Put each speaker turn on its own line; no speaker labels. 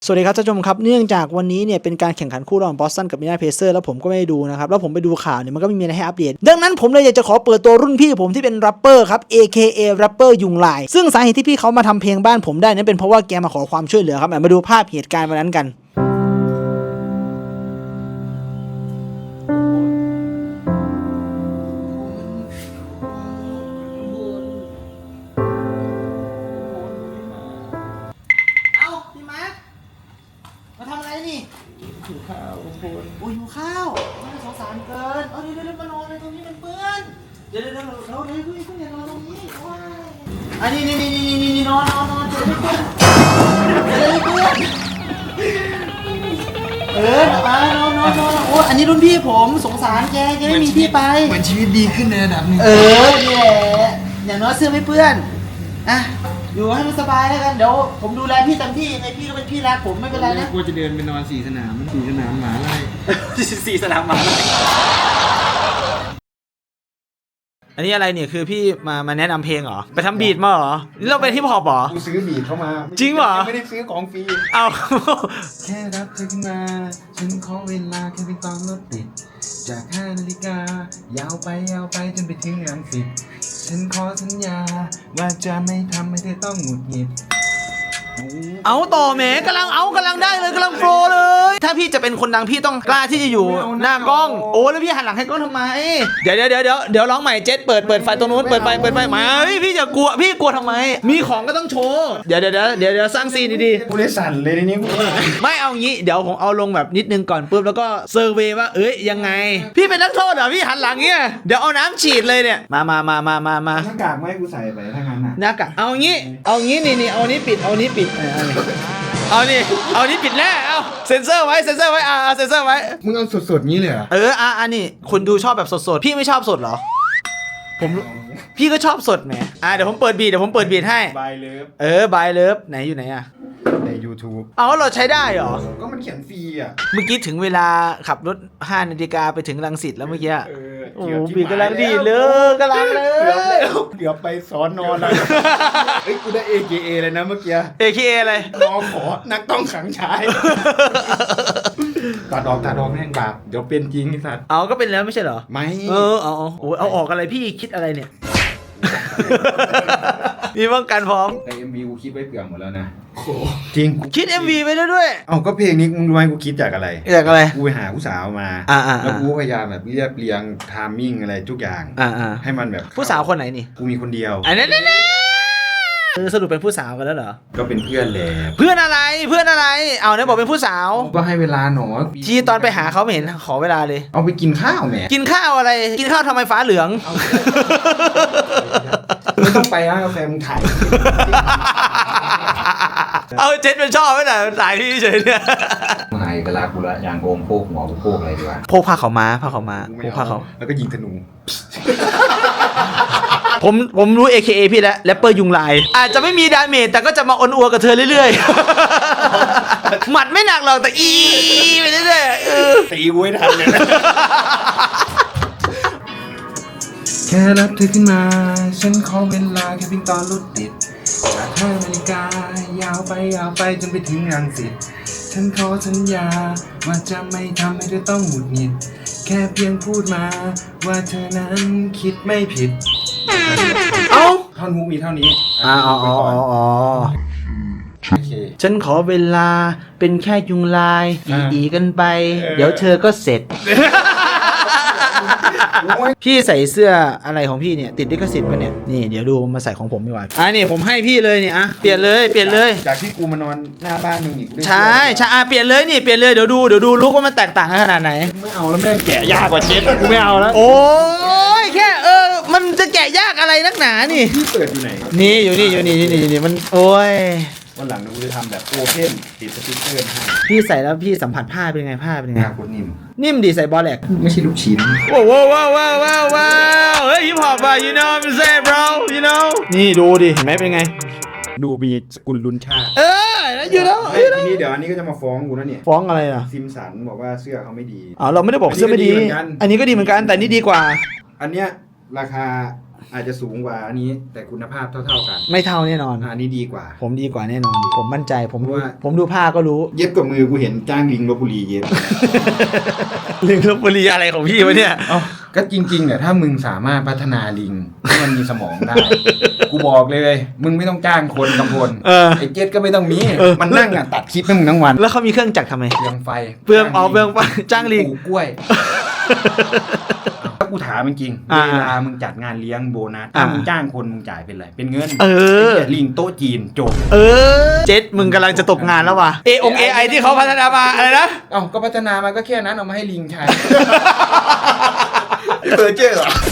สวัสดีครับท่านผู้ชมครับเนื่องจากวันนี้เนี่ยเป็นการแข่งขันคู่ระหว่างบอสตันกับมินาเพเซอร์แล้วผมก็ไม่ได้ดูนะครับแล้วผมไปดูข่าวเนี่ยมันก็ไม่มีอะไรให้อัปเดตดังนั้นผมเลยอยากจะขอเปิดตัวรุ่นพี่ผมที่เป็นแรปเปอร์ครับ AKA แรปเปอร์ยุงลายซึ่งสาเหตุที่พี่เขามาทำเพลงบ้านผมได้นั้นเป็นเพราะว่าแกมาขอความช่วยเหลือครับมาดูภาพเหตุการณ์วันนั้นกันมาทำอะไรนี่หิวข้าวคุณโอ้ยหิวข้าวมันสงสารเกินเดี๋ยวมานอนเลยตรงนี้มันเปื้อนเดี๋ยวเราคุณอย่านอนตรงนี้ว้ายอันนี้นอนเดี๋ยวไม่เปื้อนมานอนโอ้อันนี้รุ่นพี่ผมสงสารแกไม่มีที่ไป
เหมือนชีวิตดีขึ้นในระดับหนึ่ง
นี่แหละอย่างน้อยเสื้อไม่เปื้อนอ่ะอยู่ให้มันสบายแล้วกันเดี๋ยวผมดูแลพี่เต็มที่ไงพี่ก็เป็นพี่รักผมไม่เป็นไรนะ
กลัวจะเดินไปนอน4 สนามหมาไล่
4 สนามหมาไล่อันนี้อะไรเนี่ยคือพี่มาแนะนำเพลงเหรอไปทำบีทมาเหรอนี่เราเป็นฮิปฮอปเหรอ
กูซื้อบีทเข้ามา
จริงเหรอ
ไม่ได้ซื้อของฟรี
เอา
แค่รับเธอขึ้นมาฉันขอเวลาแค่เพียงตอนรถติดจาก5 นาฬิกายาวไปจนไปถึงรังสิตฉันขอสัญญาว่าจะไม่ทำให้เธอต้องหงุดหงิด
เอาต่อแหมกำลังได้เลยกำลังโฟลเลยถ้าพี่จะเป็นคนดังพี่ต้องกล้าที่จะอยู่หน้ากล้องโอ้แล้วพี่หันหลังให้กล้องทำไมเดี๋ยวร้องใหม่เจ็ดเปิดไฟตรงนู้นเปิดไฟมาพี่จะกลัวพี่กลัวทำไมมีของก็ต้องโชว์เดี๋ยวสร้างซีนดี
ๆกูเลยสั่นเลยนี่
ไม่เอางี้เดี๋ยวผมเอาลงแบบนิดนึงก่อนปุ๊บแล้วก็เซอร์เวย์ว่ายังไงพี่เป็นนักโทษเหรอพี่หันหลังเงี้ยเดี๋ยวเอาน้ำฉีดเลยเนี่ยมา
หน้ากากไม่ให้กูใส่ไปถ้างั้น
หน้ากากเอางี้นี่เอานี้ปิดเอานี้ปิดแน่เอาเซ็นเซอร์ไว้เซ็นเซอร์ไว้
มึงเอาสดๆงี้เลยเหรอ
อันนี้คุณดูชอบแบบสดๆพี่ไม่ชอบสดเหรอพี่ก็ชอบสดแหมเดี๋ยวผมเปิดบีทให้
บายเลิฟ
บายเลิฟไหนอยู่ไหน
ใน YouTube
เราใช้ได้เหรอ
ก็มันเขียนฟรี
เมื่อกี้ถึงเวลาขับรถ5 นาฬิกาไปถึงรังสิตแล้วเมื่อกี้โอ้บีกำลังดีเลยกำลังเลย
เกือบไปสอนนอนแล้วกูได้ AKA เลยนะเมื่อกี้
AKA อะไร
น้องขอนักต้องขังชายตัดออกแม่งบาปเดี๋ยวเป็นจริงไอ้สัตว์
ก็เป็นแล้วไม่ใช่เหรอ
ไม่
เอาออกอะไรพี่คิดอะไรเนี่ยมีป้องกันพร้อม
ไอ้ MV กูคิดไว้เกือบหมดแล้วนะจริง
คิด MV ไปแล้วด้วย
ก็เพลงนี้มึงรู้ไหมกูคิดจากอะไรกูไปหาผู้สาวมาแล้วกูพยายามแบบเรียงไทมิ่งอะไรทุกอย่างให้มันแบบ
ผู้สาวคนไหนนี่
กูมีคนเดียว
สรุปเป็นผู้สาวกันแล้วเหรอ
ก็เป็นเพื่อนแหละ
เพื่อนอะไรเอาเนี่ยบอกเป็นผู้สาว
ก็ให้เวลาหนอ
ที่ตอนไปหาเขาไม่เห็นขอเวลาเลย
เอาไปกินข้าวแหม
กินข้าวอะไรกินข้าวทำไมฟ้าเหลือง
ไม่ต้องไปร้านกาแฟมึงถ่าย
เจ็ดมันชอบไหมน่ะถ่ายพี่เฉยเนี่ย
ไงกะลากูละยางโอมโพกหัวกูโพกอะไรดีวะ
โพกผ้าขาวม้า
แล้วก็ยิงธนู
ผมรู้ AKA พี่แล้วแรปเปอร์ยุงลายอาจจะไม่มีดาเมจแต่ก็จะมาอนอัวกับเธอเรื่อยๆหมัดไม่หนักหรอกแต่ไปเรื่อย
ๆตีกูให้ทันเลยแค่รับเธอขึ้นมาฉันขอเวลาแค่เพียงตอนรถติดจาก5 นาฬิกายาวไปจนไปถึงรังสิตฉันขอสัญญาว่าจะไม่ทำให้เธอต้องหงุดหงิดแค่เพียงพูดมาว่าเธอนั้นคิดไม่ผิดท่อนฮุกมีเท่านี้
ฉันขอเวลาเป็นแค่ยุงลายอีกันไปเดี๋ยวเธอก็เสร็จพี่ใส่เสื้ออะไรของพี่เนี่ยติดลิขสิทธิ์ป่ะเนี่ยนี่เดี๋ยวดูมาใส่ของผมดีกว่านี่ผมให้พี่เลยเนี่ยเปลี่ยนเลย
จากที่กูมานอนหน้าบ้านมึงอีก
ใช่เปลี่ยนเลยเดี๋ยวดูลุกว่ามันแตกต่างกันขนาดไหน
ไม่เอาแล้วแม่งแกะยากกว่าเช็ดกูไม่เอาแล้ว
โอ้ยแค่มันจะแกะยากอะไรนักหนานี่
พี่เปิดอยู่ไหน
นี่อยู่นี่มันโอ้ย
วันหลังกูจะทำแบบโอเพ่นติดสติ๊กเกอร์ให้
พี่ใส่แล้วพี่สัมผัสผ้าเป็นไง
กู
นิ่มดีใส่บอลแหลก
ไม่ใช่ลูกชิ้น
ว้าวเฮ้ยฮิปฮอปyou know what I'm saying bro you know นี่ดูดิเห็นไหมเป็นไง
ดูมีสกุลลุนชา
อยู่แล้ว
ทีนี้เดี๋ยวอันนี้ก็จะมาฟ้องกูแล้วเนี่ย
ฟ้องอะไร
ซิมสันบอกว่าเสื้อเขาไม่ดี
เราไม่ได้บอกเสื้อไม่ดีอันนี้ก็ดีเหมือนกันแต่นี่ดีกว่า
อันเนี้ยราคาอาจจะสูงกว่าอันนี้แต่คุณภาพเท่าๆกัน
ไม่เท่าแน่นอน
อันนี้ดีกว่า
ผมดีกว่าแน่นอน ผมมั่นใจผม
ว่า
ผมดูผ้าก็รู้
เย็บกับมือกูเห็นจ้างลิงลพบุรีเย็บ
ลิงลพบุรีอะไรของพี่วะเนี่ย
ก็จริงๆเนี่ยถ้ามึงสามารถพัฒนาลิงให้มันมีสมองได้ กูบอกเลย มึงไม่ต้องจ้างคนกำพล ไอ้เจ็ดก็ไม่ต้องมี มันนั่งตัดคลิปให้มึงทั้งวัน
แล้วเขามีเครื่องจักรทำไม
เปลืองไฟ
เปลืองจ้างลิง
ปลูกกล้วย ถ้ากูถามจริงๆ
อ่า
เวลามึงจัดงานเลี้ยงโบนัสถ้ามึงจ้างคนมึงจ่ายเป็นอะไรเป็นเงิน
เออ
ไหี้ยลิงโต๊ะจีนจบ
เจ็ดมึงกำลังจะตกงานแล้วว่ะAI ที่เขาพัฒนามาอะไรนะ
ก็พัฒนามาก็แค่นั้นเอามาให้ลิงใช้ เบอร์เจอร์เหรอ